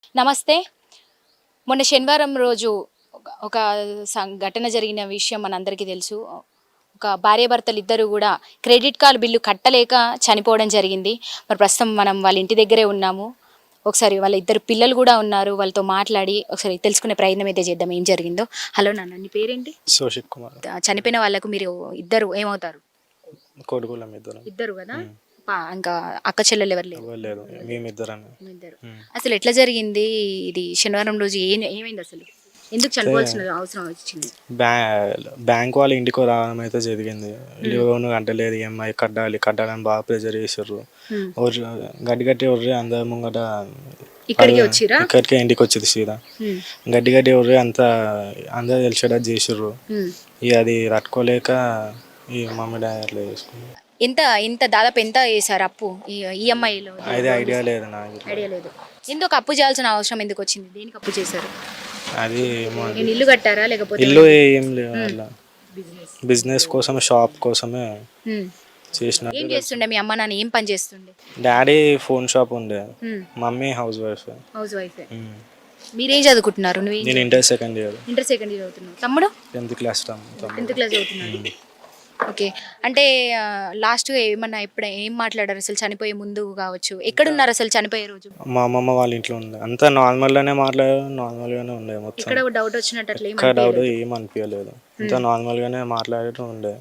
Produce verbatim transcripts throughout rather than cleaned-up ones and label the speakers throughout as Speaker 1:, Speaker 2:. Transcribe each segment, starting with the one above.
Speaker 1: నమస్తే. మొన్న శనివారం రోజు ఒక ఒక ఘటన జరిగిన విషయం మనందరికీ తెలుసు. ఒక భార్యాభర్తలు ఇద్దరు కూడా క్రెడిట్ కార్డ్ బిల్లు కట్టలేక చనిపోవడం జరిగింది. మరి ప్రస్తుతం మనం వాళ్ళ ఇంటి దగ్గరే ఉన్నాము. ఒకసారి వాళ్ళ ఇద్దరు పిల్లలు కూడా ఉన్నారు. వాళ్ళతో మాట్లాడి ఒకసారి తెలుసుకునే ప్రయత్నం అయితే చేద్దాం ఏం జరిగిందో. హలో నాన్న, నీ పేరేంటి?
Speaker 2: సోషిత్ కుమార్.
Speaker 1: చనిపోయిన వాళ్ళకు మీరు ఇద్దరు ఏమవుతారు?
Speaker 2: కొడుకులం ఇద్దరు.
Speaker 1: ఇద్దరు కదా, ఇంకా అక్క చెల్లెలు ఎవరు లేరు?
Speaker 2: లేదు, మేమిద్దరం.
Speaker 1: అసలు ఎట్లా జరిగింది ఇది? శనివారం రోజు ఏం ఏమైంది అసలు? ఎందుకు చనిపోవాల్సిన అవసరం వచ్చింది?
Speaker 2: బ్యా బ్యాంక్ వాళ్ళు ఇంటికి రావడం అయితే జరిగింది. లోన్ కట్టలేదు, ఈఎంఐ కట్టాలి కట్టాలని బాగా ప్రెజర్ చేసారు. గడ్డి గట్టి ఎవర్రి అందరి ముంగట
Speaker 1: ఇక్కడికి వచ్చిరా,
Speaker 2: ఇక్కడికే ఇంటికి వచ్చేది సీదా. గడ్డి గడ్డి ఎవర్రి అంతా అందరూ తెలిసేటట్టు చేసారు. ఇక అది తట్టుకోలేక ఈ మమ్మీ డాడీ అట్లా చేసుకున్నారు.
Speaker 1: ఎంత ఇంత దాదాపు ఎంత వేసారు అప్పు ఈఎంఐలో?
Speaker 2: అది ఐడియా లేదు నాకు.
Speaker 1: ఐడియా లేదు. ఎందుకు అప్పు చేయాల్సిన అవసరం ఎందుకు వచ్చింది? దేనికి అప్పు చేశారు?
Speaker 2: అది
Speaker 1: ఇల్లు కట్టారా లేకపోతే?
Speaker 2: ఇల్లు ఏం లేదు, అలా బిజినెస్ కోసం షాప్ కోసమే చేసిన.
Speaker 1: ఏం చేస్తుండే మీ అమ్మ నాన్న? ఏం పని చేస్తుండే?
Speaker 2: డాడీ ఫోన్ షాప్ ఉండే, mummy housewife.
Speaker 1: Housewife. మీరేం చదువుకుంటున్నారు? నువ్వు?
Speaker 2: నేను inter second year.
Speaker 1: Inter second year చదువుతున్నావు. తమ్ముడు
Speaker 2: టెన్త్ క్లాస్.
Speaker 1: టెన్త్ క్లాస్ చదువుతున్నాడు. ఓకే. అంటే లాస్ట్ ఏమన్నా ఎప్పుడు ఏం మాట్లాడారు అసలు చనిపోయే ముందు కావచ్చు? ఎక్కడున్నారు అసలు చనిపోయే రోజు?
Speaker 2: మా అమ్మమ్మ వాళ్ళ ఇంట్లో ఉంది. అంతా నార్మల్ గానే మాట్లాడారు, నార్మల్ గానే ఉండే మొత్తం.
Speaker 1: ఇక్కడ డౌట్ వచ్చినట్టు అట్లా
Speaker 2: ఇక్కడ డౌట్ ఏం అనిపించలేదు, అంతా నార్మల్ గానే మాట్లాడటం ఉండే.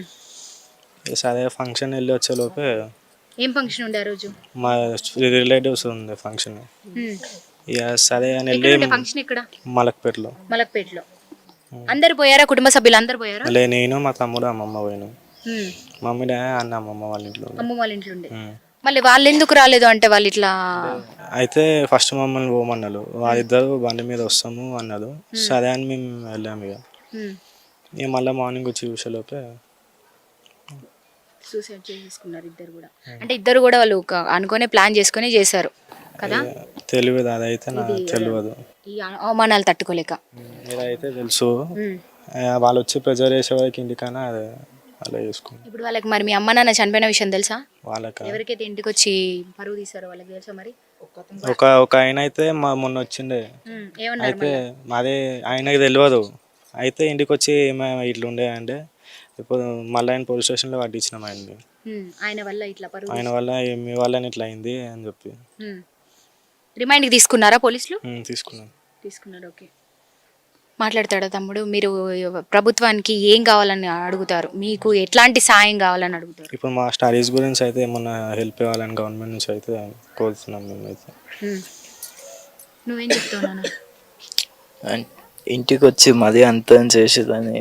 Speaker 2: సరే ఫంక్షన్ వెళ్ళి వచ్చే లోపే.
Speaker 1: ఏం ఫంక్షన్ ఉండే ఆ రోజు?
Speaker 2: మా రిలేటివ్స్ ఉండే ఫంక్షన్. ఇక సరే అని వెళ్ళి
Speaker 1: ఫంక్షన్ ఇక్కడ
Speaker 2: మలక్పేటలో.
Speaker 1: మలక్పేటలో అందరు పోయారా? కుటుంబ సభ్యులు అందరు పోయారా?
Speaker 2: లే, నేను మా తమ్ముడు అమ్మమ్మ పోయినా. మమ్మీ డాడీ అన్న అమ్మమ్మ వాళ్ళ ఇంట్లో.
Speaker 1: అమ్మమ్మ వాళ్ళ ఇంట్లో ఉండే. మళ్ళీ వాళ్ళు ఎందుకు రాలేదు అంటే వాళ్ళు ఇట్లా
Speaker 2: అయితే ఫస్ట్ మమ్మల్ని పోమన్నారు. వాళ్ళిద్దరు బండి మీద వస్తాము అన్నారు. సరే అని మేము వెళ్ళాము. ఇక ఇక మళ్ళీ మార్నింగ్ వచ్చి చూసేలోపే
Speaker 1: సూసైడ్ చేసుకున్నారు ఇద్దరు కూడా. అంటే ఇద్దరు కూడా వాళ్ళు అనుకునే ప్లాన్ చేసుకుని చేశారు కదా?
Speaker 2: తెలియదు, అదైతే నాకు తెలియదు.
Speaker 1: ఈ అవమానాలు తట్టుకోలేక.
Speaker 2: ఇదైతే తెలుసు, వాళ్ళు వచ్చి ప్రెజర్ చేసే వరకు ఇంటికన్నా అదే అలా చేసుకున్నాం.
Speaker 1: ఇప్పుడు వాళ్ళకి మరి మీ అమ్మ నాన్న చనిపోయిన విషయం తెలుసా?
Speaker 2: వాళ్ళకి
Speaker 1: ఎవరికైతే ఇంటికి వచ్చి పరువు తీసారో వాళ్ళకి తెలుసా మరి?
Speaker 2: ఒక ఒక ఆయన అయితే మా మొన్న వచ్చిండే. అయితే మాదే ఆయనకి తెలియదు. అయితే ఇంటికి వచ్చి ఏమైనా ఇట్లా ఉండే అంటే ఇప్పుడు మళ్ళీ ఆయన పోలీస్ స్టేషన్లో పట్టించినాం ఆయన్ని.
Speaker 1: ఆయన వల్ల ఇట్లా పరువు,
Speaker 2: ఆయన వల్ల మీ వల్ల ఇట్లా అయింది అని చెప్పి
Speaker 1: రిమైండ్కి తీసుకున్నారా పోలీసులు?
Speaker 2: తీసుకున్నాను.
Speaker 1: తీసుకున్నారు. ఓకే. మాట్లాడతాడా తమ్ముడు? మీరు ప్రభుత్వానికి ఏం కావాలని అడుగుతారు? మీకు ఎట్లాంటి సాయం కావాలని అడుగుతారు?
Speaker 2: ఇప్పుడు మా స్టడీస్ గురించి అయితే ఏమన్నా హెల్ప్ కావాలని గవర్నమెంట్ నుంచి అయితే కోరుతున్నాం మేమైతే.
Speaker 1: నువ్వేం చెప్తున్నాను?
Speaker 3: ఇంటికి వచ్చి మరీ అంతం చేసేదని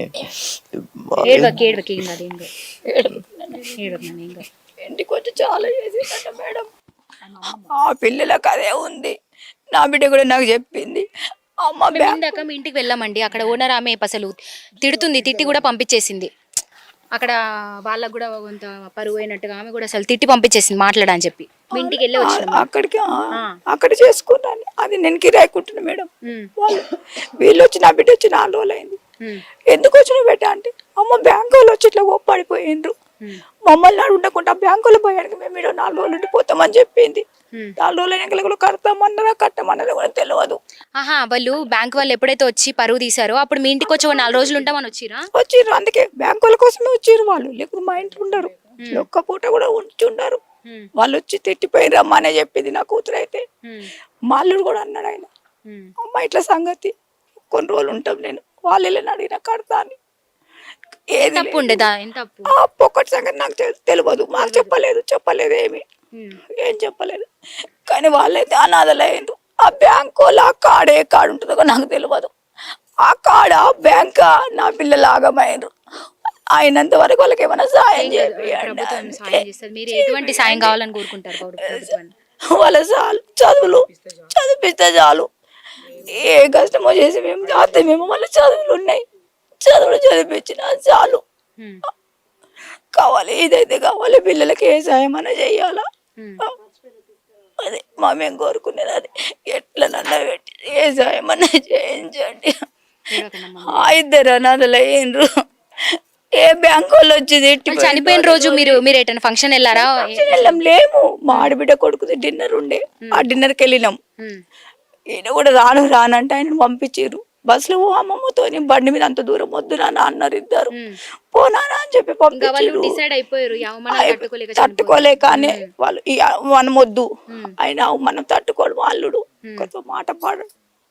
Speaker 4: ఇంటికి వచ్చి చాలా చేసిందట మేడం. ఆ పిల్లలకు అదే ఉంది. నా బిడ్డ కూడా నాకు చెప్పింది. అమ్మ
Speaker 1: ఇందాక మీ ఇంటికి వెళ్ళామండి, అక్కడ ఓనర్ ఆమె అసలు తిడుతుంది, తిట్టి కూడా పంపించేసింది. అక్కడ వాళ్ళకు కూడా కొంత పరువు అయినట్టుగా ఆమె కూడా అసలు తిట్టి పంపించేసింది మాట్లాడని చెప్పి. మీ ఇంటికి వెళ్ళి వచ్చిన
Speaker 4: అక్కడికి అక్కడ చేసుకున్నాను. అది నేను కిరాయికుంటున్నా మేడం. వాళ్ళు వీళ్ళు వచ్చి నా బిడ్డ వచ్చి నాలుగు రోజులు అయింది. ఎందుకు వచ్చిన బిడ్డ అంటే అమ్మ బ్యాంకు వాళ్ళు వచ్చి ఇట్లా ఒప్పడిపోయిండ్రు, మమ్మల్ని నాడు ఉండకుండా బ్యాంకులో పోయానికి మేము మీరు నాలుగు రోజులు ఉండిపోతామని చెప్పింది. నాలుగు రోజులు ఎన్నికలు కడతామన్నారా కట్టమన్నది కూడా తెలియదు.
Speaker 1: ఆహా, వాళ్ళు బ్యాంక్ వాళ్ళు ఎప్పుడైతే వచ్చి పరువు తీసారో అప్పుడు మీ ఇంటికి వచ్చి నాలుగు రోజులు ఉంటామని వచ్చిరా?
Speaker 4: వచ్చిర్రు, అందుకే బ్యాంకు వాళ్ళ కోసమే వచ్చిర్రు వాళ్ళు. లేకపోతే మా ఇంట్లో ఉండరు, ఒక్క పూట కూడా ఉంచి ఉండరు. వాళ్ళు వచ్చి తిట్టిపోయి రమ్మనే చెప్పింది నా కూతురు. అయితే మా అల్లుడు కూడా అన్నాడు, ఆయన అమ్మ ఇట్లా సంగతి కొన్ని రోజులు ఉంటాం నేను వాళ్ళు వెళ్ళని అడిగినా కడతా అని. ఏది
Speaker 1: తప్పు ఉండేదా?
Speaker 4: అప్పు ఒక్కటి సంగతి నాకు తెలియదు, మాకు చెప్పలేదు చెప్పలేదు ఏమి ఏం చెప్పలేదు. కానీ వాళ్ళైతే అనాథలయ్యారు. ఆ బ్యాంకు వాళ్ళు ఆ కాడ ఏ కాడ ఉంటుందో నాకు తెలియదు. ఆ కాడ ఆ బ్యాంక్ నా పిల్లలు ఆగమైనరు. అయినంత వరకు వాళ్ళకి ఏమైనా సాయం చేయాలి. వాళ్ళ చాలు చదువులు చదివిస్తే చాలు. ఏ కష్టమో చేసి మేము చేస్తే మేము మళ్ళీ చదువులు ఉన్నాయి, చదువులు చదివించిన చాలు. కావాలి ఇదైతే కావాలి, పిల్లలకి ఏ సాయం అన్నా చెయ్యాలా. అదే మా మేము కోరుకునేది అది. ఎట్లా నన్న పెట్టి ఏ సాయం అన్నా చేయించండి. ఇద్దరు అనాథలు అయ్యిండ్రు. ఏ బ్యాంకు వాళ్ళు వచ్చి
Speaker 1: చనిపోయిన రోజు మీరు మీరు ఎటైనా ఫంక్షన్ వెళ్ళారా?
Speaker 4: వెళ్ళాం లేము. మా ఆడబిడ్డ కొడుకుది డిన్నర్ ఉండే, ఆ డిన్నర్కి వెళ్ళినాం. ఈయన కూడా రాను రానంటే ఆయన పంపించారు బస్సులో ఓ అమ్మమ్మతో బండి మీద అంత దూరం వద్దు నాన్న అన్నారు ఇద్దరు పోనానా అని చెప్పి
Speaker 1: ఇంకా వాళ్ళు
Speaker 4: పంపించారు
Speaker 1: డిసైడ్ అయిపోయారు ఈ అవమానాలు తట్టుకోలేక చనిపోయారు.
Speaker 4: తట్టుకోలేకనే వాళ్ళు ఈ మనం వద్దు అయినా మనం తట్టుకోడు వాళ్ళుడు కొంచెం మాట పాడు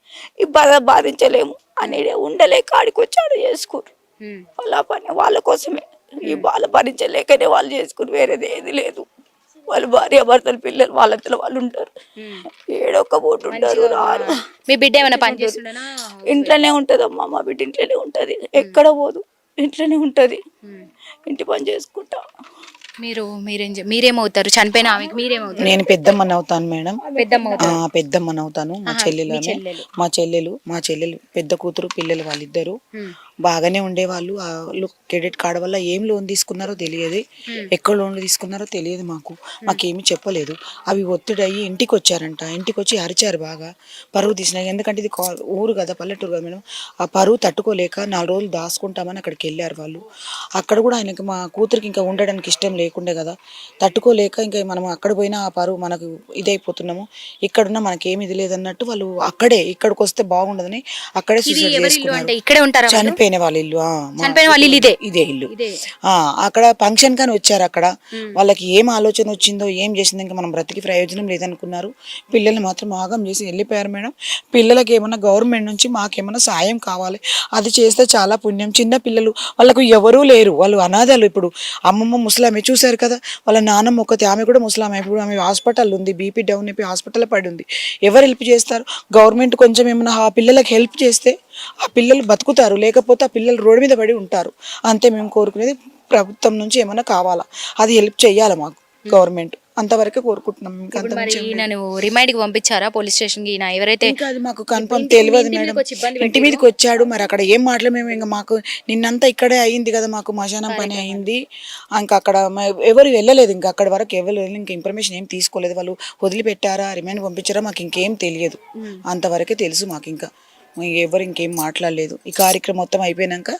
Speaker 4: ఈ బాధ బాధించలేము అనేది ఉండలేక ఆడికి వచ్చాడు చేసుకురు
Speaker 1: ఉమ్.
Speaker 4: వాళ్ళ పని వాళ్ళ కోసమే ఈ బాధ భరించలేకనే వాళ్ళు చేసుకుని వేరేది ఏది లేదు వాళ్ళు భార్య భర్తలు పిల్లలు వాళ్ళతో వాళ్ళు ఉంటారు ఏడొక్క పూట ఉంటారు రారు
Speaker 1: మీ బిడ్డ ఏమైనా పని చేస్తుండేనా?
Speaker 4: ఇంట్లోనే ఉంటది అమ్మ మా బిడ్డ ఇంట్లోనే ఉంటది ఎక్కడ పోదు ఇంట్లోనే ఉంటది ఇంటి పని చేసుకుంటా.
Speaker 1: మీరు మీరేం చే- మీరేమవుతారు చనిపోయిన ఆమెకి మీరేమవుతారు?
Speaker 5: నేను పెద్దమ్మని అవుతాను మేడం.
Speaker 1: పెద్దమ్మ
Speaker 5: ఆ,
Speaker 1: అవుతారు.
Speaker 5: పెద్దమ్మని అవుతాను. మా చెల్లెలు ఆమె.
Speaker 1: చెల్లెలు.
Speaker 5: మా చెల్లెలు మా చెల్లెలు పెద్ద కూతురు పిల్లలు వాళ్ళిద్దరు బాగానే ఉండేవాళ్ళు. వాళ్ళు క్రెడిట్ కార్డు వల్ల ఏం లోన్ తీసుకున్నారో తెలియదు, ఎక్కడ లోన్లు తీసుకున్నారో తెలియదు. మాకు మాకేమీ చెప్పలేదు. అవి ఒత్తిడి అయ్యి ఇంటికి వచ్చారంట. ఇంటికి వచ్చి అరిచారు బాగా, పరువు తీసినాయి. ఎందుకంటే ఇది కా- ఊరు కదా, పల్లెటూరు కదా మేడం. ఆ పరువు తట్టుకోలేక నాలుగు రోజులు దాచుకుంటామని అక్కడికి వెళ్ళారు వాళ్ళు. అక్కడ కూడా ఆయనకి మా కూతురికి ఇంకా ఉండడానికి ఇష్టం లేకుండే కదా, తట్టుకోలేక ఇంకా మనం అక్కడ పోయినా ఆ పరువు మనకు ఇదైపోతున్నాము, ఇక్కడున్నా మనకేమి ఇది లేదన్నట్టు వాళ్ళు అక్కడే ఇక్కడికి వస్తే బాగుండదని అక్కడే
Speaker 1: ఇది
Speaker 5: సూసైడ్
Speaker 1: ఎవరి ఇల్లు
Speaker 5: చేసుకున్నారు.
Speaker 1: అంటే ఇక్కడే ఉంటారా వాళ్ళు?
Speaker 5: చనిపోయిన వాళ్ళ ఇల్లు. ఆ, మా
Speaker 1: చనిపోయిన వాళ్ళ ఇల్లు ఇదే?
Speaker 5: ఇదే ఇల్లు.
Speaker 1: ఇదే.
Speaker 5: ఆ, అక్కడ ఫంక్షన్ కానీ వచ్చారు. అక్కడ వాళ్ళకి ఏం ఆలోచన వచ్చిందో ఏం చేసిందో ఇంకా మనం బ్రతికి ప్రయోజనం లేదనుకున్నారు. పిల్లల్ని మాత్రం ఆగం చేసి వెళ్ళిపోయారు మేడం. పిల్లలకి ఏమన్నా గవర్నమెంట్ నుంచి మాకేమన్నా సాయం కావాలి, అది చేస్తే చాలా పుణ్యం. చిన్న పిల్లలు వాళ్ళకు ఎవరూ లేరు, వాళ్ళు అనాథాలు. ఇప్పుడు అమ్మమ్మ ముసలామె చూశారు కదా, వాళ్ళ నాన్నమ్మ ఒకటి, ఆమె కూడా ముసలామె. ఇప్పుడు ఆమె హాస్పిటల్ ఉంది, బీపీ డౌన్ అయిపోయి హాస్పిటల్ పడి ఉంది. ఎవరు హెల్ప్ చేస్తారు? గవర్నమెంట్ కొంచెం ఏమన్నా ఆ పిల్లలకి హెల్ప్ చేస్తే ఆ పిల్లలు బతుకుతారు, లేకపోతే ఆ పిల్లలు రోడ్డు మీద పడి ఉంటారు. అంతే మేము కోరుకునేది. ప్రభుత్వం నుంచి ఏమైనా కావాలా, అది హెల్ప్ చెయ్యాలి మాకు గవర్నమెంట్, అంతవరకే కోరుకుంటున్నాం. ఇంకా
Speaker 1: ఇప్పుడు
Speaker 5: అంత
Speaker 1: మరి
Speaker 5: మించి ఏం లేదు.
Speaker 1: ఈయనను రిమైండ్ కి పంపించారా పోలీస్ స్టేషన్ కి? ఈయన ఎవరైతే
Speaker 5: ఇంకా అది మాకు కన్ఫర్మ్
Speaker 1: ఇంటి-
Speaker 5: తెలియదు
Speaker 1: ఇంటి
Speaker 5: మేడం.
Speaker 1: మీదకి వచ్చి ఇబ్బంది
Speaker 5: ఇంటి మీదకి వచ్చాడు, మరి అక్కడ ఏం మాటలు మేము ఇంకా మాకు నిన్నంతా ఇక్కడే అయింది కదా, మాకు మశానం పని అయింది. ఇంకా అక్కడ మ- ఎవరు వెళ్ళలేదు, ఇంకా అక్కడ వరకు ఎవరు వెళ్ళి ఇంకా ఇన్ఫర్మేషన్ ఏం తీసుకోలేదు. వాళ్ళు వదిలిపెట్టారా, రిమైండ్ పంపించారా, మాకు ఇంకేం తెలియదు. అంతవరకే తెలుసు మాకు. ఇంకా ఎవరు ఇంకేం మాట్లాడలేదు. ఈ కార్యక్రమం మొత్తం అయిపోయినాక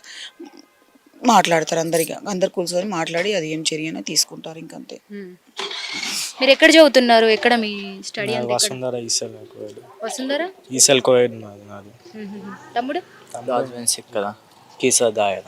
Speaker 5: మాట్లాడతారు అందరిగా, అందరు కూర్చొని మాట్లాడి అది ఏం చర్య అయినా తీసుకుంటారు. ఇంకంతే.
Speaker 1: ఉమ్. మీరు ఎక్కడ చదువుతున్నారు? ఎక్కడ మీ స్టడీ అంతా? ఎక్కడ?
Speaker 2: వసుంధర ఈసెల్ కోవిడ్
Speaker 1: వస్తుందరా?
Speaker 2: ఈసెల్ కోవిడ్ నాది నాది
Speaker 1: తమ్ముడు
Speaker 3: కదా కీసా దాయర్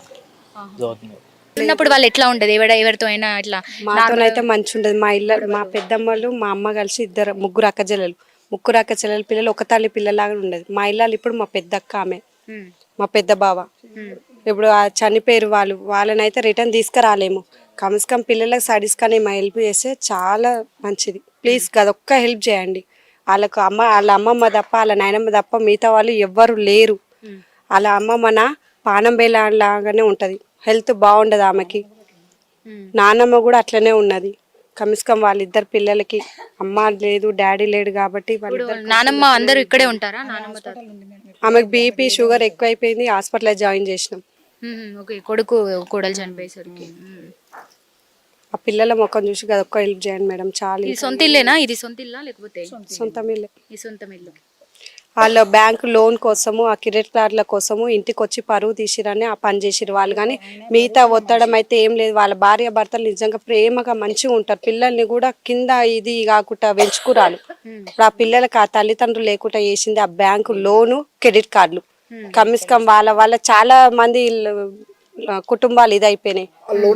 Speaker 1: ఉన్నప్పుడు వాళ్ళు ఎట్లా ఉండదు? ఎవడ ఎవరితో అయినా ఇట్లా
Speaker 6: మాతోనైతే మంచి ఉండదు. మా ఇళ్ళ మా పెద్దమ్మలు మా అమ్మ కలిసి ఇద్దరు ముగ్గురు అక్క చెల్లెలు, ముగ్గురు అక్క చెల్లెల పిల్లలు ఒక తల్లి పిల్లలాగా ఉండదు. మా ఇళ్ళలో ఇప్పుడు మా పెద్ద అక్క ఆమె,
Speaker 1: ఉమ్.
Speaker 6: మా పెద్ద బావ. ఇప్పుడు ఆ చనిపోయారు వాళ్ళు, వాళ్ళనైతే రిటర్న్ తీసుకురాలేము. కమ్స్ కమ్ పిల్లలకు స్టడీస్ కానీ మా హెల్ప్ చేస్తే చాలా మంచిది. ప్లీజ్ అదొక్క హెల్ప్ చేయండి. వాళ్ళకు అమ్మ, వాళ్ళ అమ్మమ్మ తప్ప వాళ్ళ నాయనమ్మ తప్ప మిగతా వాళ్ళు ఎవ్వరు లేరు. వాళ్ళ అమ్మమ్మ నా పానం బేలా లాగానే ఉంటుంది, హెల్త్ బాగుండదు ఆమెకి. నానమ్మ కూడా అట్లనే ఉన్నది. కమిస్కం వాళ్ళిద్దరు పిల్లలకి అమ్మ లేదు డాడీ లేడు కాబట్టి వాళ్ళిద్దరు.
Speaker 1: నానమ్మ అందరూ ఇక్కడే ఉంటారా? నానమ్మ తాత?
Speaker 6: ఆమెకు బీపీ షుగర్ ఎక్కువైపోయింది, హాస్పిటల్లో జాయిన్ చేసినాం.
Speaker 1: Um, okay. కొడుకు కోడలు చనిపోయేసరికి ఉమ్.
Speaker 6: ఆ పిల్లల ముఖం చూసి అదొక్క హెల్ప్ చేయండి మేడం. చాలా
Speaker 1: ఇది సొంత ఇల్లేనా? ఇది సొంత ఇల్లా లేకపోతే
Speaker 6: సొంతం ఇల్లే.
Speaker 1: ఈ సొంతం ఇల్లు.
Speaker 6: వాళ్ళ బ్యాంకు లోన్ కోసము, ఆ క్రెడిట్ కార్డుల కోసము ఇంటికి వచ్చి పరువు తీసిరని ఆ పని చేసిరు వాళ్ళు. కానీ మిగతా ఒత్తడం అయితే ఏం లేదు. వాళ్ళ భార్య భర్తలు నిజంగా ప్రేమగా మంచిగా ఉంటారు. పిల్లల్ని కూడా కింద ఇది కాకుండా పెంచుకురాలు. ఇప్పుడు ఆ పిల్లలకి ఆ తల్లిదండ్రులు లేకుండా చేసింది ఆ బ్యాంకు లోను, క్రెడిట్ కార్డులు. కమిస్కం వాళ్ళ వల్ల చాలా మంది ఆ, కుటుంబాలు ఇదైపోయినాయి.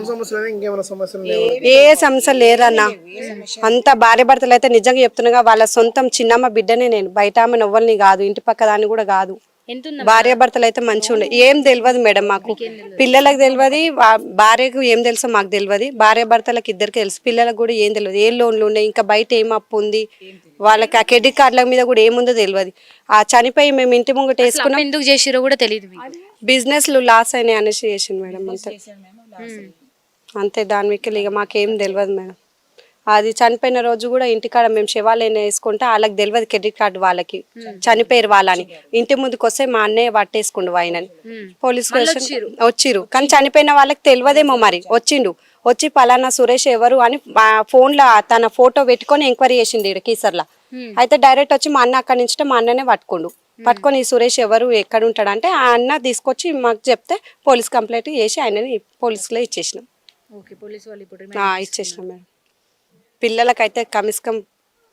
Speaker 6: ఏ సమస్య లేరన్నా. అంత భార్య భర్తలు అయితే నిజంగా చెప్తున్నాగా, వాళ్ళ సొంతం చిన్నమ్మ బిడ్డనే నేను, బయట ఆమె నవ్వల్ని కాదు, ఇంటి పక్క దాన్ని కూడా కాదు.
Speaker 1: ఎంత
Speaker 6: భార్య భర్తలు అయితే మంచిగా ఉండే. ఏం తెలియదు మేడం మాకు, పిల్లలకు తెలియదు, భార్యకు ఏం తెలుసో మాకు తెలియదు. భార్య భర్తలకు ఇద్దరికి తెలుసు, పిల్లలకు కూడా ఏం తెలియదు. ఏ లోన్లు ఉన్నాయి, ఇంకా బయట ఏం అప్పు ఉంది, వాళ్ళకి ఆ క్రెడిట్ కార్డుల మీద కూడా ఏముందో తెలియదు. ఆ చనిపోయి మేము ఇంటి ముంగట వేసుకున్నాం.
Speaker 1: ఎందుకు చేసిరో కూడా తెలియదు మీకు?
Speaker 6: బిజినెస్లు లాస్ అయినాయి అనేసి చేసింది మేడం. అంతే అంతే దాని మీకు ఇక మాకేం తెలియదు మేడం. అది చనిపోయిన రోజు కూడా ఇంటికాడ మేము శివాలయం వేసుకుంటే వాళ్ళకి తెలియదు క్రెడిట్ కార్డు వాళ్ళకి, చనిపోయారు వాళ్ళని. ఇంటి ముందుకు వస్తే మా అన్నయ్య పట్టేసుకుండు ఆయనని. పోలీస్ స్టేషన్ వచ్చిర్రు, కానీ చనిపోయిన వాళ్ళకి తెలియదేమో మరి. వచ్చిండు, వచ్చి పలానా సురేష్ ఎవరు అని మా ఫోన్లో తన ఫోటో పెట్టుకొని ఎంక్వైరీ చేసిండు ఇక్కడ కీసర్లా. అయితే డైరెక్ట్ వచ్చి మా అన్న అక్కడి నుంచి మా అన్ననే పట్టుకుండు. పట్టుకొని ఈ సురేష్ ఎవరు ఎక్కడ ఉంటాడంటే ఆ అన్న తీసుకొచ్చి మాకు చెప్తే పోలీస్ కంప్లైంట్ చేసి ఆయనని పోలీసులో ఇచ్చేసినాం.
Speaker 1: ఓకే. పోలీసు వాళ్ళు ఇప్పుడు
Speaker 6: ఇచ్చేసినాం మేడం. పిల్లలకైతే కమిస్కం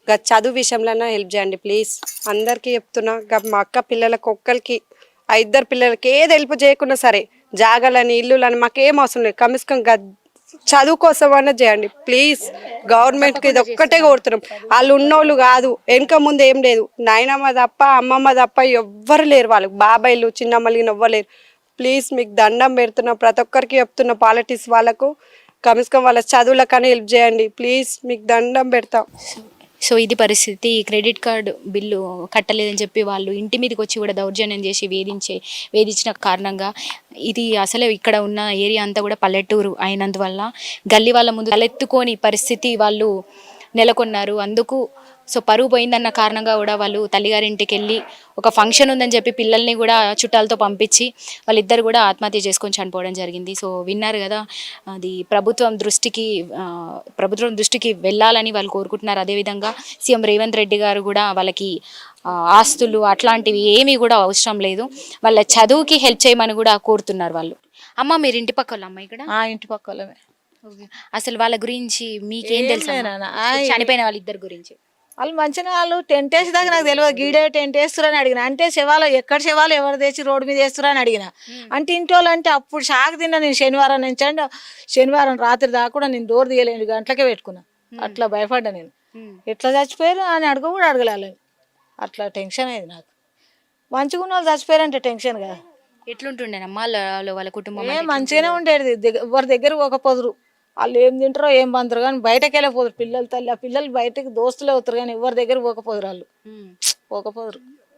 Speaker 6: గా చదువు విషయంలోనే హెల్ప్ చేయండి ప్లీజ్. అందరికీ చెప్తున్నా, గా మా అక్క పిల్లలకి ఒక్కరికి ఆ ఇద్దరు పిల్లలకి ఏది హెల్ప్ చేయకున్నా సరే, జాగాలని ఇల్లులని మాకేం అవసరం లేదు, కమిస్కం గా చదువు కోసం అన్నా చేయండి ప్లీజ్. గవర్నమెంట్కి ఇది ఒక్కటే కోరుతున్నాం. వాళ్ళు ఉన్నోళ్ళు కాదు, వెనక ముందు ఏం లేదు, నాయనమ్మ తప్ప అమ్మమ్మ తప్ప ఎవ్వరు లేరు, వాళ్ళకి బాబాయిలు చిన్నమ్మలు ఎవ్వరు లేరు. ప్లీజ్ మీకు దండం పెడుతున్నా, ప్రతి ఒక్కరికి చెప్తున్నా, పాలిటిక్స్ వాళ్ళకు కమిస్కం వాళ్ళ చదువులకని హెల్ప్ చేయండి ప్లీజ్, మీకు దండం పెడతాం.
Speaker 1: సో ఇది పరిస్థితి. క్రెడిట్ కార్డు బిల్లు కట్టలేదని చెప్పి వాళ్ళు ఇంటి మీదకి వచ్చి కూడా దౌర్జన్యం చేసి వేధించే వేధించిన కారణంగా ఇది అసలే ఇక్కడ ఉన్న ఏరియా అంతా కూడా పల్లెటూరు అయినందువల్ల గల్లీ వాళ్ళ ముందు తలెత్తుకోని పరిస్థితి వాళ్ళు నెలకొన్నారు. అందుకు సో పరువు పోయిందన్న కారణంగా కూడా వాళ్ళు తల్లిగారింటికి వెళ్ళి ఒక ఫంక్షన్ ఉందని చెప్పి పిల్లల్ని కూడా చుట్టాలతో పంపించి వాళ్ళిద్దరు కూడా ఆత్మహత్య చేసుకొని చనిపోవడం జరిగింది. సో విన్నారు కదా, అది ప్రభుత్వం దృష్టికి ప్రభుత్వం దృష్టికి వెళ్ళాలని వాళ్ళు కోరుకుంటున్నారు. అదేవిధంగా సీఎం రేవంత్ రెడ్డి గారు కూడా వాళ్ళకి ఆస్తులు అట్లాంటివి ఏమీ కూడా అవసరం లేదు, వాళ్ళ చదువుకి హెల్ప్ చేయమని కూడా కోరుతున్నారు వాళ్ళు. అమ్మ మీరు ఇంటి పక్క వాళ్ళ అమ్మ ఇక్కడ?
Speaker 7: ఇంటి పక్క వాళ్ళమే.
Speaker 1: అసలు వాళ్ళ గురించి మీకేం తెలుసు చనిపోయిన వాళ్ళిద్దరి గురించి?
Speaker 7: వాళ్ళు మంచిగా వాళ్ళు టెంట్ వేసేదాకా నాకు తెలియదు, గీడే టెంట్ వేస్తురని అడిగిన. అంటే శవాలు ఎక్కడ శవాలు ఎవరు తెచ్చి రోడ్డు మీద వేస్తురని అడిగిన. అంటే ఇంటి వాళ్ళు అంటే అప్పుడు షాక్ తిన్నా నేను. శనివారం నుంచి అంటే శనివారం రాత్రి దాకా కూడా నేను డోర్ తీయలేను, గంటలకే పెట్టుకున్నా. అట్లా భయపడ్డా నేను. ఎట్లా చచ్చిపోయారు అని అడగ కూడా అడగలేను. అట్లా టెన్షన్ అయింది నాకు. మంచిగా ఉన్న వాళ్ళు చచ్చిపోయారంటే టెన్షన్ కదా.
Speaker 1: ఎట్లుంటుండేనమ్మా వాళ్ళ కుటుంబం?
Speaker 7: ఏ మంచిగానే ఉండేది, ఎవరి దగ్గర ఒక పొదురు. వాళ్ళు ఏం తింటారో ఏం బందరు కానీ బయటకు వెళ్ళిపోతారు పిల్లలు. తల్లి ఆ పిల్లలు బయటకు దోస్తులే అవుతారు కానీ ఎవరి దగ్గర పోకపోదురు, వాళ్ళు పోకపోదురు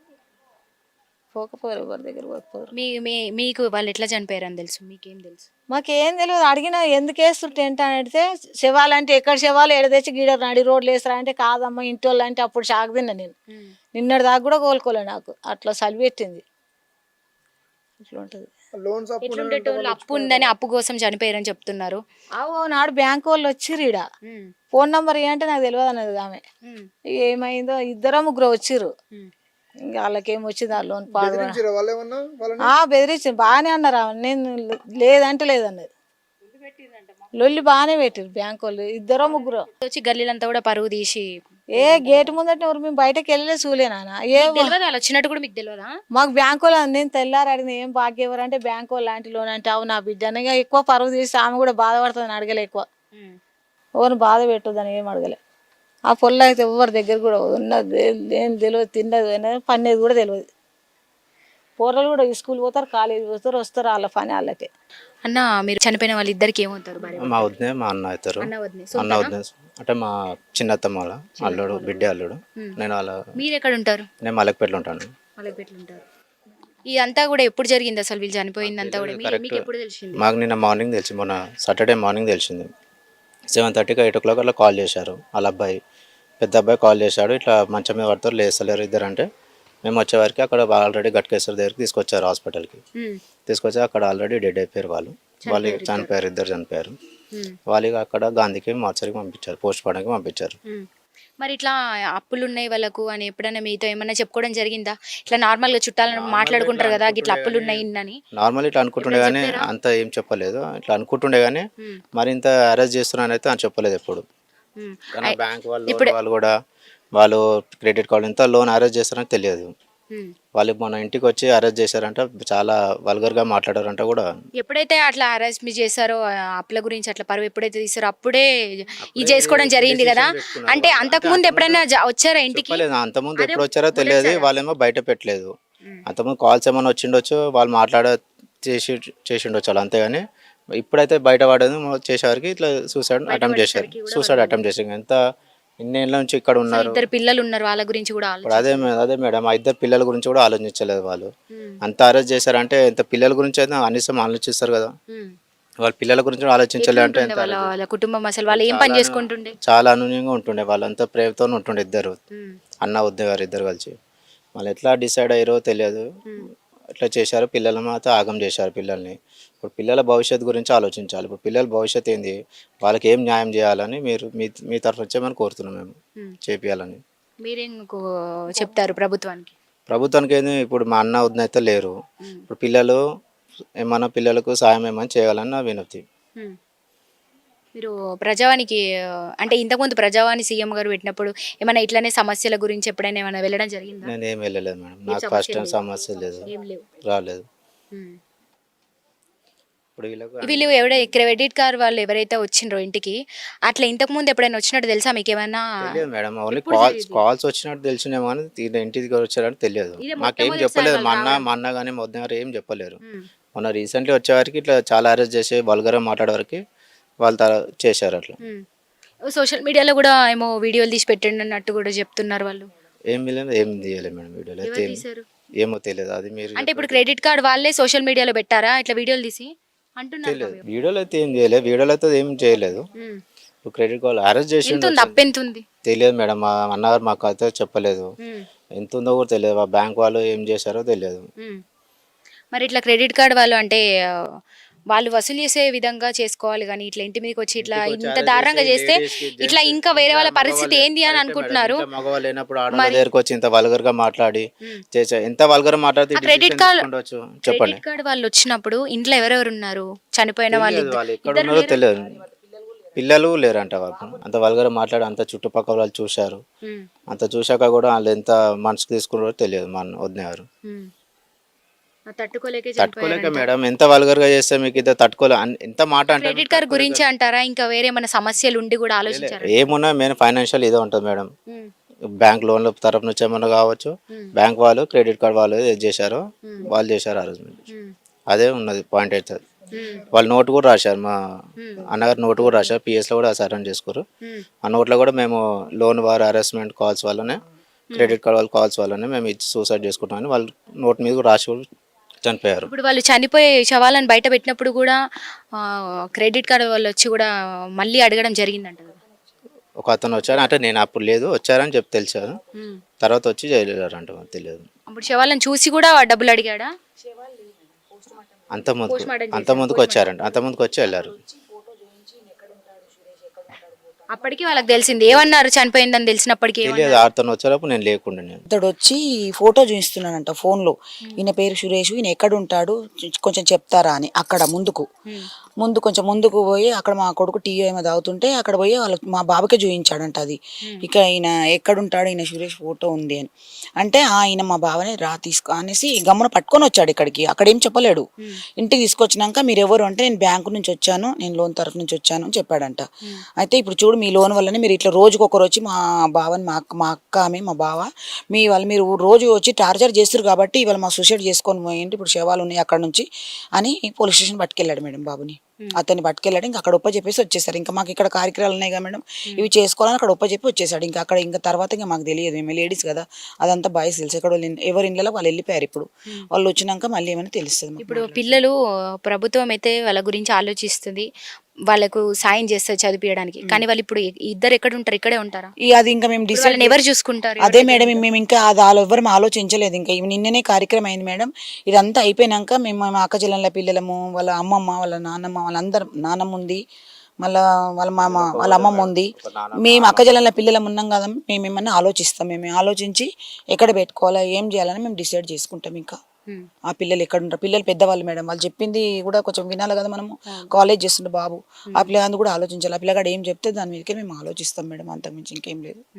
Speaker 7: పోకపోరు ఎవరి దగ్గర పోకపోదురు.
Speaker 1: మీ మీకు వాళ్ళు ఎట్లా చనిపోయారని తెలుసు? మీకేం తెలుసు?
Speaker 7: మాకేం తెలియదు. అడిగినా ఎందుకు వేస్తారు టెంట్ అని అడిగితే, శవాలు అంటే ఎక్కడ శవాలు ఎడ తెచ్చి గీడ నడి రోడ్లు వేస్తారా అంటే, కాదమ్మా ఇంటి వాళ్ళు అంటే. అప్పుడు షాక్ తిన్నా నేను. నిన్నటి దాకా కూడా కోలుకోలే నాకు, అట్లా సలి పెట్టింది. ఇట్లా ఉంటుంది.
Speaker 1: అప్పు ఉందని అప్పు కోసం చనిపోయారని చెప్తున్నారు.
Speaker 7: అవు నాడు బ్యాంకు వాళ్ళు వచ్చిర్రు, ఈడ ఫోన్ నంబర్ ఏంటంటే నాకు తెలియదు అన్నది ఆమె. ఏమైందో ఇద్దరు ముగ్గురు వచ్చిర్రు, ఇంకా వాళ్ళకేం వచ్చింది ఆ లోన్ పాడు బెదిరించి బాగానే అన్నారు. నేను లేదంటే లేదన్నది. లొల్లి బాగానే పెట్టిరు బ్యాంకు వాళ్ళు, ఇద్దరో ముగ్గురు
Speaker 1: వచ్చి గల్లీలంతా కూడా పరువు తీసి.
Speaker 7: ఏ గేటు ముందట ఎవరు మేము బయటకు వెళ్ళలే చూలేనా. ఏ
Speaker 1: వాళ్ళు వచ్చినట్టు కూడా మీకు తెలియదా?
Speaker 7: మాకు బ్యాంకు వాళ్ళు నేను తెల్లారు అడిగిన, ఏం బాగా ఎవరు అంటే బ్యాంకు వాళ్ళు లాంటి లోన్ అంటే. అవు నా బిడ్డ అనగా ఎక్కువ పరువు తీసి ఆమె కూడా బాధపడుతుందని అడగలే. ఎక్కువ ఎవరిని బాధ పెట్టొద్దని ఏం అడగలే. ఆ పొల్ల అయితే ఎవరి దగ్గర కూడా ఉన్నది ఏం తెలియదు, తిన్నది పనేది కూడా తెలియదు. పోరలు కూడా స్కూల్ పోతారు, కాలేజీ పోతారు, వస్తారు, వాళ్ళ పని వాళ్ళకే.
Speaker 1: అన్న మీరు చనిపోయిన వాళ్ళు ఇద్దరికి ఏమవుతారు?
Speaker 3: మా వదినే మా అన్న అవుతారు. అన్న వదిన అంటే మా చిన్నత్తమ్మ వాళ్ళ అల్లుడు, బిడ్డ అల్లుడు. నేను వాళ్ళ.
Speaker 1: మీరు ఎక్కడ ఉంటారు?
Speaker 3: నేను మలక్పేటలో ఉంటాను.
Speaker 1: మలక్పేటలో ఉంటారు. ఇదంతా కూడా ఎప్పుడు జరిగింది అసలు వీళ్ళు చనిపోయిందంతా కూడా? మీకు ఎప్పుడు తెలిసింది?
Speaker 3: మాకు నిన్న మార్నింగ్ తెలిసి, మొన్న సాటర్డే మార్నింగ్ తెలిసింది. సెవెన్ థర్టీకి ఎయిట్ ఓ క్లాక్ అలా కాల్ చేశారు. వాళ్ళ అబ్బాయి పెద్ద అబ్బాయి కాల్ చేశాడు, ఇట్లా మంచం మీద పడతారు లేస్తలేరు ఇద్దరు అంటే. మేము వచ్చేవారికి అక్కడ ఆల్రెడీ గట్కేశ్వర దగ్గరికి తీసుకొచ్చారు హాస్పిటల్కి. తీసుకొచ్చి అక్కడ ఆల్రెడీ డెడ్ అయిపోయారు వాళ్ళు. వాళ్ళు చనిపోయారు, ఇద్దరు చనిపోయారు. వాళ్ళకి అక్కడ గాంధీకి మార్చరికి పంపించారు, పోస్ట్ మార్టంకి పంపించారు.
Speaker 1: మరి ఇట్లా అప్పులు ఉన్నాయి వాళ్ళకు అని ఎప్పుడైనా మీతో ఏమన్నా చెప్పుకోవడం జరిగిందా? ఇట్లా నార్మల్ గా చుట్టాలను మాట్లాడుకుంటారు కదా, ఇట్లా అప్పులు ఉన్నాయి అని.
Speaker 3: నార్మల్ ఇట్లా అనుకుంటుండే కానీ అంత ఏం చెప్పలేదు. ఇట్లా అనుకుంటుండే కానీ మరి ఇంత అరెస్ట్ చేస్తున్నానైతే అని చెప్పలేదు ఎప్పుడు. కానీ బ్యాంక్ వాళ్ళు వాళ్ళు కూడా వాళ్ళు క్రెడిట్ కార్డు ఇంత లోన్ అరెస్ట్ చేస్తారని తెలియదు. వాళ్ళు మన ఇంటికి వచ్చి అరెస్ట్ చేశారంట, చాలా వల్గర్ గా మాట్లాడారంట కూడా.
Speaker 1: ఎప్పుడైతే అట్లా అరెస్ట్ మీ చేశారో అప్పుల గురించి అట్లా పరువు ఎప్పుడైతే తీసారో అప్పుడే ఇది చేసుకోవడం జరిగింది కదా. అంటే అంతకు ముందు ఎప్పుడైనా వచ్చారా ఇంటికి?
Speaker 3: అంతకుముందు ఎప్పుడు వచ్చారో తెలియదు. వాళ్ళేమో బయట పెట్టలేదు. అంతకుముందు కాల్స్ ఏమైనా వచ్చిండొచ్చు, వాళ్ళు మాట్లాడ చేసి చేసిండొచ్చు వాళ్ళు, అంతేగాని ఇప్పుడైతే బయట పడేది చేసేవారికి ఇట్లా సూసైడ్ అటెంప్ట్ చేశారు. సూసైడ్ అటెంప్ట్ చేశారు. ఎంత ఇన్నేళ్ళ నుంచి ఇక్కడ ఉన్నారు,
Speaker 1: ఇద్దరు పిల్లలు ఉన్నారు, వాళ్ళ గురించి కూడా
Speaker 3: అదే అదే మేడం, ఆ ఇద్దరు పిల్లల గురించి కూడా ఆలోచించలేదు వాళ్ళు. అంత అరెస్ట్ చేశారంటే ఎంత పిల్లల గురించి అయితే కనీసం ఆలోచిస్తారు కదా. వాళ్ళ పిల్లల గురించి ఆలోచించలే అంటే
Speaker 1: వాళ్ళ కుటుంబం అసలు వాళ్ళు ఏం పని చేసుకుంటుండే?
Speaker 3: చాలా అనునయంగా ఉంటుండే, వాళ్ళంతా ప్రేమతో ఉంటుండే ఇద్దరు అన్న వద్ద గారు ఇద్దరు కలిసి. వాళ్ళు ఎట్లా డిసైడ్ అయ్యారో తెలియదు, ఎట్లా చేశారు. పిల్లల మాత్రం ఆగం చేశారు పిల్లల్ని. ఇప్పుడు పిల్లల భవిష్యత్తు గురించి ఆలోచించాలి. ఇప్పుడు పిల్లల భవిష్యత్తు ఏంది, వాళ్ళకి ఏం న్యాయం చేయాలని మీరు మీ మీ తరఫు వచ్చేమని కోరుతున్నాం మేము, చేపియాలని.
Speaker 1: మీరేం చెప్తారు ప్రభుత్వానికి?
Speaker 3: ప్రభుత్వానికి ఏంది, ఇప్పుడు మా అన్న వదిన అయితే లేరు. ఇప్పుడు పిల్లలు ఏమన్నా పిల్లలకు సాయం ఏమని చేయాలని నా వినతి.
Speaker 1: మీరు ప్రజావానికి ఆ, అంటే ఇంతకుముందు ప్రజావాణి సీఎం గారు పెట్టినప్పుడు ఏమైనా ఇట్లానే సమస్యల గురించి ఎప్పుడైనా ఏమైనా వెళ్ళడం జరిగిందా?
Speaker 3: నేను ఏం వెళ్ళలేదు మేడం, నాకు
Speaker 1: సమస్య
Speaker 3: ఫస్ట్ టైం
Speaker 1: లేదు.
Speaker 3: సమస్య లేదు,
Speaker 1: ఏం లేవు.
Speaker 3: రాలేదు.
Speaker 1: ఉమ్.
Speaker 3: ఇప్పుడు వీళ్ళకు
Speaker 1: వీళ్ళు ఎవడై క్రెడిట్ కార్డ్ వాళ్ళు ఎవరైతే వచ్చిండ్రో ఇంటికి అట్లా ఇంతకు ముందు ఎప్పుడైనా వచ్చినట్టు తెలుసా మీకు ఏమైనా?
Speaker 3: తెలియదు మేడం, ఓన్లీ
Speaker 1: ఎప్పుడు
Speaker 3: కాల్స్
Speaker 1: జరిగింది?
Speaker 3: కాల్స్ వచ్చినట్టు తెలిసినేమో కానీ తీరా ఇంటికి వచ్చారని తెలియదు.
Speaker 1: ఇదే
Speaker 3: మాకేం
Speaker 1: మొట్టమొదటిసారి
Speaker 3: చెప్పలేదు,
Speaker 1: వాళ్ళు
Speaker 3: మా అన్న
Speaker 1: రావడం.
Speaker 3: మా అన్న కానీ మా వదిన గారు ఏం చెప్పలేరు.
Speaker 1: ఉమ్.
Speaker 3: మొన్న రీసెంట్లీ వచ్చేవారికి ఇట్లా చాలా అరెస్ట్ చేసి వల్గర్గా మాట్లాడే వరకు వాళ్ళు తర చేశారు అట్లా.
Speaker 1: ఉమ్. సోషల్ మీడియాలో కూడా ఏమో వీడియోలు తీసి పెట్టండి అన్నట్టు కూడా చెప్తున్నారు వాళ్ళు.
Speaker 3: ఏం లేదు, ఏం తీయలేదు మేడం వీడియోలో అయితే.
Speaker 1: ఎవరు
Speaker 3: ఏం-
Speaker 1: తీశారు?
Speaker 3: ఏమో తెలియదు, అది మీరు
Speaker 1: అంటే ఇప్పుడు క్రెడిట్ కార్డ్ వాళ్ళే సోషల్ మీడియాలో పెట్టారా ఇట్లా వీడియోలు తీసి అంటున్నారు
Speaker 3: తెలియదు.
Speaker 1: కదా.
Speaker 3: వీడియోలో అయితే ఏం చేయలేదు, వీడియోలో అయితే ఏం చేయలేదు.
Speaker 1: ఉమ్.
Speaker 3: ఇప్పుడు క్రెడిట్ కార్డు అరెస్ట్ చేసి
Speaker 1: ఎంత ఉంది? అప్పు ఎంత ఉంది?
Speaker 3: తెలియదు మేడం, మా అన్నగారు మాకు అయితే చెప్పలేదు.
Speaker 1: ఉమ్.
Speaker 3: ఎంత ఉందో కూడా తెలియదు, ఆ బ్యాంక్ వాళ్ళు ఏం చేశారో తెలియదు.
Speaker 1: ఉమ్. మరి ఇట్లా క్రెడిట్ కార్డ్ వాళ్ళు అంటే ఆ, వాళ్ళు వసూలు చేసే విధంగా చేసుకోవాలి కానీ ఇట్లా ఇంటి మీదకి వచ్చి ఇట్లా
Speaker 3: ఇంటికి వచ్చి
Speaker 1: ఇంత
Speaker 3: arrest
Speaker 1: దారుణంగా
Speaker 3: చేసి
Speaker 1: చేస్తే
Speaker 3: ladies కి,
Speaker 1: ఇట్లా
Speaker 3: gents
Speaker 1: ఇంకా వేరే వాళ్ళ
Speaker 3: ఇంకా
Speaker 1: పరిస్థితి
Speaker 3: మగవాళ్ళు-
Speaker 1: ఏంది అని
Speaker 3: కరెక్టే
Speaker 1: అనుకుంటున్నారు.
Speaker 3: మేడం, ఇంకా మగవాళ్ళు లేనప్పుడు ఆడవాళ్ళ దగ్గరకు వచ్చి ఇంత వల్గర్ గా మాట్లాడి చేసే ఎంత వల్గర్ మాట్లాడితే
Speaker 1: ఆ credit card-
Speaker 3: ఉండొచ్చు చెప్పండి.
Speaker 1: క్రెడిట్ కార్డ్ వాళ్ళు వచ్చినప్పుడు ఇంట్లో ఎవరెవరు ఉన్నారు? చనిపోయిన వాళ్ళు
Speaker 3: తెలియదు, వాళ్ళు ఎక్కడ
Speaker 1: ఇద్దరు
Speaker 3: ఉన్నారో
Speaker 1: లేరా?
Speaker 3: తెలియదు. పిల్లలు లేరంట వాళ్ళు, అంత వల్గర్ మాట్లాడి అంత చుట్టుపక్కల వాళ్ళు చూశారు.
Speaker 1: ఉమ్.
Speaker 3: అంత చూశాక కూడా వాళ్ళు ఎంత మనసుకు తీసుకున్నారో తెలియదు మా వదిన గారు.
Speaker 1: ఉమ్. ఆ తట్టుకోలేకే
Speaker 3: తట్టుకోలేక
Speaker 1: చనిపోయారంట.
Speaker 3: మేడం, ఎంత వల్గర్ గా చేస్తే మీకు ఇది తట్టుకోలే అన్- ఎంత మాట అంటే
Speaker 1: క్రెడిట్ కార్డ్ గురించి అంటారా ఇంకా వేరే ఏమైనా సమస్యలు ఉండి కూడా ఆలోచించారా?
Speaker 3: ఏమున్నా మెయిన్ ఫైనాన్షియల్ ఇదే ఉంటుంది మేడం.
Speaker 1: ఉమ్.
Speaker 3: బ్యాంక్ లోన్ల తరఫు నుంచి ఏమన్నా కావచ్చు, బ్యాంక్ వాళ్ళు క్రెడిట్ కార్డ్ వాళ్ళు ఏది చేశారో వాళ్ళు చేశారు ఆ రోజు.
Speaker 1: ఉమ్.
Speaker 3: అదే ఉన్నది పాయింట్ అయితే.
Speaker 1: ఉమ్.
Speaker 3: వాళ్ళు నోటు కూడా రాశారు, మా అన్నగారు నోటు కూడా రాశారు, పిఎస్లో కూడా సరెండర్ చేసుకోరు.
Speaker 1: ఉమ్.
Speaker 3: ఆ నోట్లో కూడా మేము లోన్ వారు హరాస్మెంట్ కాల్స్ వల్లనే, క్రెడిట్ కార్డ్ వాళ్ళ కాల్స్ వల్లనే మేము ఇది సూసైడ్ చేసుకుంటామని వాళ్ళు నోట్ మీద కూడా రాసి కూడా చనిపోయారు.
Speaker 1: ఇప్పుడు వాళ్ళు చనిపోయే శవాలను బయట పెట్టినప్పుడు కూడా ఆ, క్రెడిట్ కార్డ్ వాళ్ళు వచ్చి కూడా మళ్ళీ అడగడం జరిగిందంట కదా.
Speaker 3: ఒక అతను వచ్చారు అంటే నేను అప్పుడు లేదు వచ్చారని చెప్పి తెలిసాను,
Speaker 1: ఉమ్.
Speaker 3: తర్వాత వచ్చి చేయలేరంట మాకు తెలియదు.
Speaker 1: అప్పుడు శవాలను చూసి కూడా డబ్బులు అడిగాడా?
Speaker 3: అంత ముందుకు
Speaker 1: Postmortem
Speaker 3: అంత ముందుకు వచ్చారంట, అంత ముందుకు వచ్చి వెళ్ళారు.
Speaker 1: అప్పటికి వాళ్ళకి తెలిసింది ఏమన్నారు చనిపోయిందని తెలిసినప్పటికీ ఏమన్నారు?
Speaker 3: తెలియదు, అతను వచ్చేటప్పుడు నేను లేకుండా నేను.
Speaker 5: ఇతడు వచ్చి ఫోటో చూపిస్తున్నానంట ఫోన్లో, ఈయన పేరు సురేష్, ఈయన ఎక్కడ ఉంటాడు కొంచెం చెప్తారా అని. అక్కడ ముందుకు ముందు కొంచెం ముందుకు పోయి అక్కడ మా కొడుకు టీ ఏమో తాగుతుంటే అక్కడ పోయి వాళ్ళ మా బాబుకే చూపించాడంట అది. ఇక ఈయన ఎక్కడుంటాడు, ఈయన సురేష్ ఫోటో ఉంది అని అంటే ఆ ఈయన మా బావనే రా తీసుకో అనేసి గమ్మున పట్టుకొని వచ్చాడు ఇక్కడికి. అక్కడ ఏం చెప్పలేడు. ఇంటికి తీసుకొచ్చినాక మీరు ఎవరు అంటే నేను బ్యాంకు నుంచి వచ్చాను, నేను లోన్ తరఫు నుంచి వచ్చాను అని చెప్పాడంట. అయితే ఇప్పుడు చూడు మీ లోన్ వల్లనే మీరు ఇట్లా రోజుకి ఒకరు వచ్చి మా బావని మా అక్క మా అక్క ఆమె మా బావ మీ వాళ్ళు మీరు రోజు వచ్చి టార్చర్ చేస్తారు కాబట్టి ఇవాళ మా సూసైడ్ చేసుకొని పోయింది, ఇప్పుడు శవాలు ఉన్నాయి అక్కడ నుంచి అని పోలీస్ స్టేషన్ పట్టుకెళ్ళాడు మేడం బాబుని. అతన్ని పట్టుకెళ్ళాడు. ఇంకా అక్కడ ఒప్ప చెప్పేసి వచ్చేసారు. ఇంకా మాకు ఇక్కడ కార్యక్రమాలు ఉన్నాయి కదా మేడం, ఇవి చేసుకోవాలని అక్కడ ఒప్ప చెప్పి వచ్చేసాడు. ఇంకా అక్కడ ఇంకా తర్వాత ఇంకా మాకు తెలియదు, మేము లేడీస్ కదా, అదంతా బాయ్స్ తెలుసు. ఎక్కడ ఎవరి ఇళ్ళలో వాళ్ళు వెళ్ళిపోయారు. ఇప్పుడు వాళ్ళు వచ్చినాక మళ్ళీ ఏమైనా తెలుస్తుంది మాకు.
Speaker 1: ఇప్పుడు పిల్లలు ప్రభుత్వం అయితే వాళ్ళ గురించి ఆలోచిస్తుంది, వాళ్ళకు సాయం చేస్తారు చదివించడానికి, కానీ వాళ్ళు ఇప్పుడు ఇద్దరు ఎక్కడ ఉంటారు? ఇక్కడే ఉంటారా?
Speaker 5: ఈ అది ఇంకా మేము డిసైడ్
Speaker 1: వాళ్ళని ఎవరు చూసుకుంటారు?
Speaker 5: అదే మేడం మేము ఇంకా అది వాళ్ళు ఎవ్వరు ఆలోచించలేదు. ఇంకా ఇవి నిన్ననే కార్యక్రమం అయింది మేడం. ఇదంతా అయిపోయినాక మేము మా అక్క చెల్లెళ్ళ పిల్లలము, వాళ్ళ అమ్మమ్మ వాళ్ళ నాన్నమ్మ వాళ్ళందరం, నాన్నమ్మ ఉంది, మళ్ళా వాళ్ళ మామ వాళ్ళ అమ్మమ్మ ఉంది, మేము అక్క చెల్లెళ్ళ పిల్లలం ఉన్నాం కదా, మేము ఏమన్నా ఆలోచిస్తాం. మేము ఆలోచించి ఎక్కడ పెట్టుకోవాలా ఏం చేయాలని మేము డిసైడ్ చేసుకుంటాం. ఇంకా ఆ పిల్లలు ఎక్కడ ఉంటారు, పిల్లలు పెద్దవాళ్ళు మేడం, వాళ్ళు చెప్పింది కూడా కొంచెం వినాలి కదా మనము. కాలేజ్ చేస్తుండే బాబు, ఆ పిల్లగాడు కూడా ఆలోచించాలి. ఆ పిల్లగాడు ఏం చెప్తే దాని మీదకే మేము ఆలోచిస్తాం మేడం, అంతకుమించి ఇంకేం లేదు.